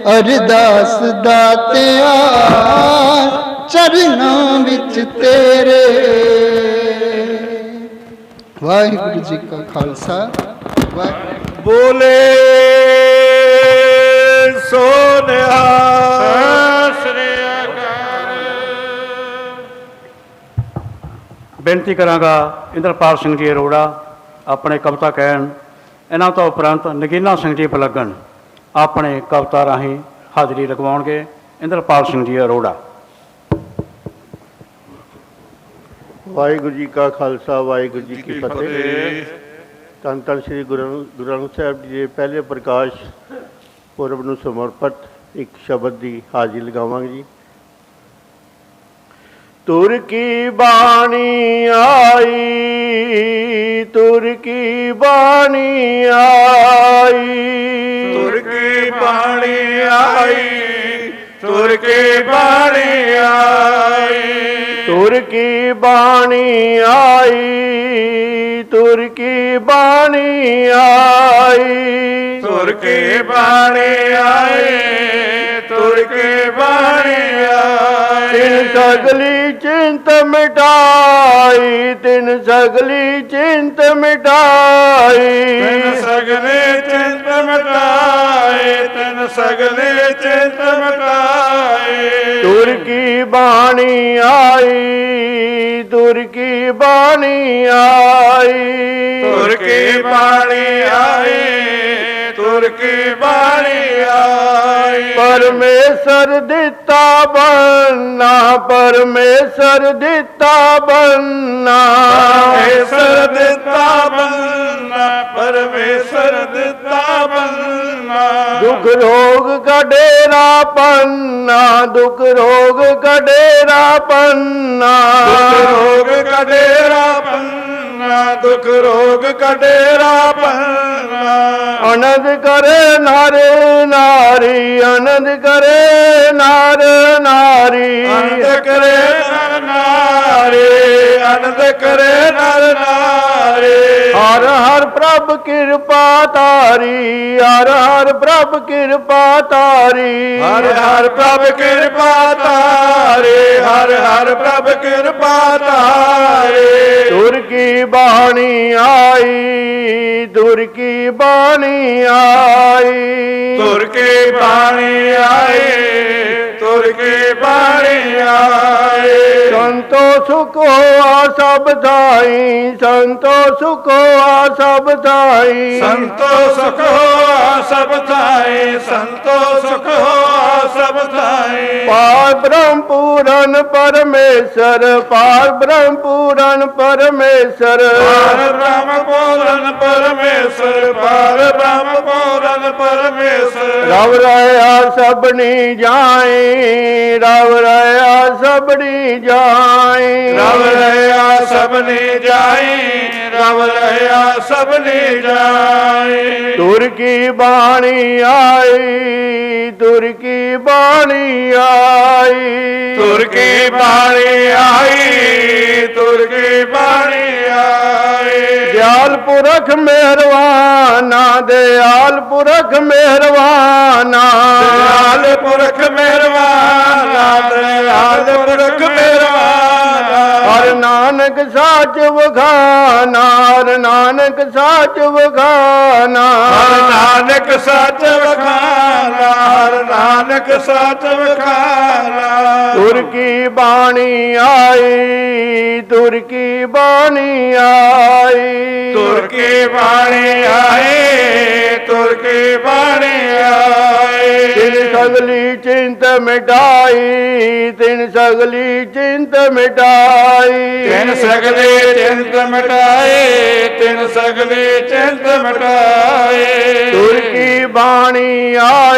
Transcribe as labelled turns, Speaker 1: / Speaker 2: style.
Speaker 1: ਅਰਦਾਸ ਦਾਤਿਆ ਚਰਨਾਂ ਵਿੱਚ ਤੇਰੇ। ਵਾਹਿਗੁਰੂ ਜੀ ਕਾ ਖਾਲਸਾ, ਵਾਹਿਗੁਰੂ।
Speaker 2: ਬੋਲੇ ਸੋ ਨਿਹਾਲ।
Speaker 3: ਸ੍ਰੀ ਅਕਾਲ।
Speaker 4: ਬੇਨਤੀ ਕਰਾਂਗਾ ਇੰਦਰਪਾਲ ਸਿੰਘ ਜੀ ਅਰੋੜਾ ਆਪਣੇ ਕਵਿਤਾ ਕਹਿਣ। ਇਹਨਾਂ ਤੋਂ ਉਪਰੰਤ ਨਗੀਨਾ ਸਿੰਘ ਜੀ ਪਲੱਗਣ ਆਪਣੇ ਕਵਿਤਾ ਰਾਹੀਂ ਹਾਜ਼ਰੀ ਲਗਵਾਉਣਗੇ। ਇੰਦਰਪਾਲ ਸਿੰਘ ਜੀ ਅਰੋੜਾ।
Speaker 2: ਵਾਹਿਗੁਰੂ ਜੀ ਕਾ ਖਾਲਸਾ, ਵਾਹਿਗੁਰੂ ਜੀ ਕੀ ਫਤਿਹ। ਧੰਨ ਧੰਨ ਸ੍ਰੀ ਗੁਰੂ ਗ੍ਰੰਥ ਸਾਹਿਬ ਜੀ ਦੇ ਪਹਿਲੇ ਪ੍ਰਕਾਸ਼ ਪੁਰਬ ਨੂੰ ਸਮਰਪਿਤ ਇੱਕ ਸ਼ਬਦ ਦੀ ਹਾਜ਼ਰੀ ਲਗਾਵਾਂਗੇ ਜੀ। ਤੁਰ ਕੀ ਬਾਣੀ ਆਈ, ਤੁਰ ਕੀ ਬਾਣੀ ਆਈ,
Speaker 3: ਤੁਰ ਕੀ ਬਾਣੀ ਆਈ, ਤੁਰ ਕੀ ਬਾਣੀ ਆਈ,
Speaker 2: ਤੁਰ ਕੀ ਬਾਣੀ ਆਈ, ਤੁਰ ਕੀ ਬਾਣੀ ਆਈ,
Speaker 3: ਤੁਰ ਕੀ ਬਾਣੀ ਆਈ, ਤੁਰ ਕੀ ਬਾਣੀ ਆਈ।
Speaker 2: ਤਿਨ ਸਗਲੀ ਚਿੰਤ ਮਿਟਾਈ, ਤਿਨ ਸਗਲੀ ਚਿੰਤ ਮਿਟਾਈ,
Speaker 3: ਤਿਨ ਸਗਲੇ ਚਿੰਤ ਮਿਟਾਏ, ਤਿਨ ਸਗਲੇ ਚਿੰਤ ਮਿਟਾਏ।
Speaker 2: ਤੁਰ ਕੀ ਬਾਣੀ ਆਈ, ਤੁਰ ਕੀ ਬਾਣੀ ਆਈ,
Speaker 3: ਤੁਰ ਕੀ ਬਾਣੀ ਆਈ, ਤੁਰ ਕੀ ਬਾਣੀ ਆਈ।
Speaker 2: ਪਰਮੇਸ਼ਰ ਦਿੱਤਾ ਬੰਨਾ, ਪਰਮੇਸ਼ਰ ਦਿੱਤਾ ਬੰਨਾ,
Speaker 3: ਪਰਮੇਸ਼ਰ ਦਿੱਤਾ ਬੰਨਾ, ਪਰਮੇਸ਼ਰ ਦਿੱਤਾ ਬੰਨਾ।
Speaker 2: ਦੁੱਖ ਰੋਗ ਕਾ ਡੇਰਾ ਪੰਨਾ, ਦੁੱਖ ਰੋਗ ਕਾ ਡੇਰਾ ਪੰਨਾ,
Speaker 3: ਦੁੱਖ ਰੋਗ ਕਾ ਡੇਰਾ ਪੰਨਾ, ਦੁੱਖ ਰੋਗ ਕਾ ਡੇਰਾ ਪੰਨਾ।
Speaker 2: ਆਨੰਦ ਕਰੇ ਨਰ ਨਾਰੀ, ਆਨੰਦ ਕਰੇ ਨਰ ਨਾਰੀ,
Speaker 3: ਆਨੰਦ ਕਰੇ ਨਰ ਨਾਰੀ, ਆਨੰਦ ਕਰੇ ਨਰ ਨਾਰੀ।
Speaker 2: ਹਰ ਹਰ ਪ੍ਰਭ ਕਿਰਪਾ ਤਾਰੀ, ਹਰ ਹਰ ਪ੍ਰਭ ਕਿਰਪਾ ਤਾਰੀ,
Speaker 3: ਹਰ ਹਰ ਪ੍ਰਭ ਕਿਰਪਾ ਤਾਰੇ, ਹਰ ਹਰ ਪ੍ਰਭ ਕਿਰਪਾ ਤਾਰੇ।
Speaker 2: ਤੁਰ ਕੀ ਬਾਣੀ ਆਈ, ਤੁਰ ਕੀ ਬਾਣੀ ਆਈ,
Speaker 3: ਤੁਰ ਕੇ ਬਾਣੀ ਆਏ, ਤੁਰ ਕੇ ਬਾਣੀ ਆਏ।
Speaker 2: ਸੰਤੋ ਸੁਖ ਹੋਆ ਸਭ ਥਾਈ, ਸੰਤੋ ਸੁਖ ਹੋਆ ਸਭ ਥਾਈ,
Speaker 3: ਸੰਤੋ ਸੁਖ ਹੋਆ ਸਭ ਥਾਈ, ਸੰਤੋ ਸੁਖ ਹੋਆ ਸਭ ਥਾਈ।
Speaker 2: ਪਾਰ ਬ੍ਰਹਮ ਪੂਰਨ ਪਰਮੇਸ਼ਰ, ਪਾਰ ਬ੍ਰਹਮ ਪੂਰਨ ਪਰਮੇਸ਼ਰ,
Speaker 3: ਪਾਰ ਬ੍ਰਹਮ ਪੂਰਨ ਪਰਮੇਸ਼ਰ, ਪਾਰ ਬ੍ਰਹਮ ਪੂਰਨ ਪਰਮੇਸ਼ਰ।
Speaker 2: ਰਵ ਰਹਾ ਸਭਨੀ ਜਾਏ, ਰਵ ਰਹਾ ਸਭਨੀ ਜਾਏ,
Speaker 3: ਰਵ ਰਹਾ ਸਭਨੇ ਜਾਏ, ਰਵ ਰਹਾ ਸਭਨੇ ਜਾਏ।
Speaker 2: ਤੁਰ ਕੀ ਬਾਣੀ ਆਈ, ਤੁਰ ਕੀ ਬਾਣੀ ਆਈ,
Speaker 3: ਤੁਰ ਕੇ ਬਾਣੀ ਆਈ, ਤੁਰ ਕੇ ਬਾਣੀ ਆਈ।
Speaker 2: ਦਿਆਲ ਪੁਰਖ ਮਿਹਰਵਾਨਾ, ਦਿਆਲ ਪੁਰਖ ਮਿਹਰਵਾਨਾ,
Speaker 3: ਦਇਆਲ ਪੁਰਖ ਮਿਹਰਬਾਨਾ, ਦਇਆਲ ਪੁਰਖ ਮਿਹਰਬਾਨਾ।
Speaker 2: ਹਰ ਨਾਨਕ ਸਾਚ ਵਖਾਨਾ, ਹਰ ਨਾਨਕ ਸਾਚ ਵਖਾਨਾ,
Speaker 3: ਹਰ ਨਾਨਕ ਸੱਚ ਵਖਾਨਾ, ਹਰ ਨਾਨਕ ਸੱਚ ਵਖਾਨਾ।
Speaker 2: ਤੁਰ ਕੀ ਬਾਣੀ ਆਈ, ਤੁਰ ਕੀ ਬਾਣੀ ਆਈ,
Speaker 3: ਤੁਰ ਕੇ ਬਾਣੀ ਆਏ, ਤੁਰ ਕੇ ਬਾਣੀ ਆਏ।
Speaker 2: ਤਿਨ ਸਗਲੀ ਚਿੰਤ ਮਿਟਾਈ, ਤਿਨ ਸਗਲੀ ਚਿੰਤ ਮਿਟਾਈ,
Speaker 3: ਤਿਨ ਸਗਲੇ ਚਿੰਤ ਮਿਟਾਏ, ਤਿਨ ਸਗਲੇ ਚਿੰਤ ਮਿਟਾਏ।
Speaker 2: ਤੁਰ ਕੀ ਬਾਣੀ ਆਈ।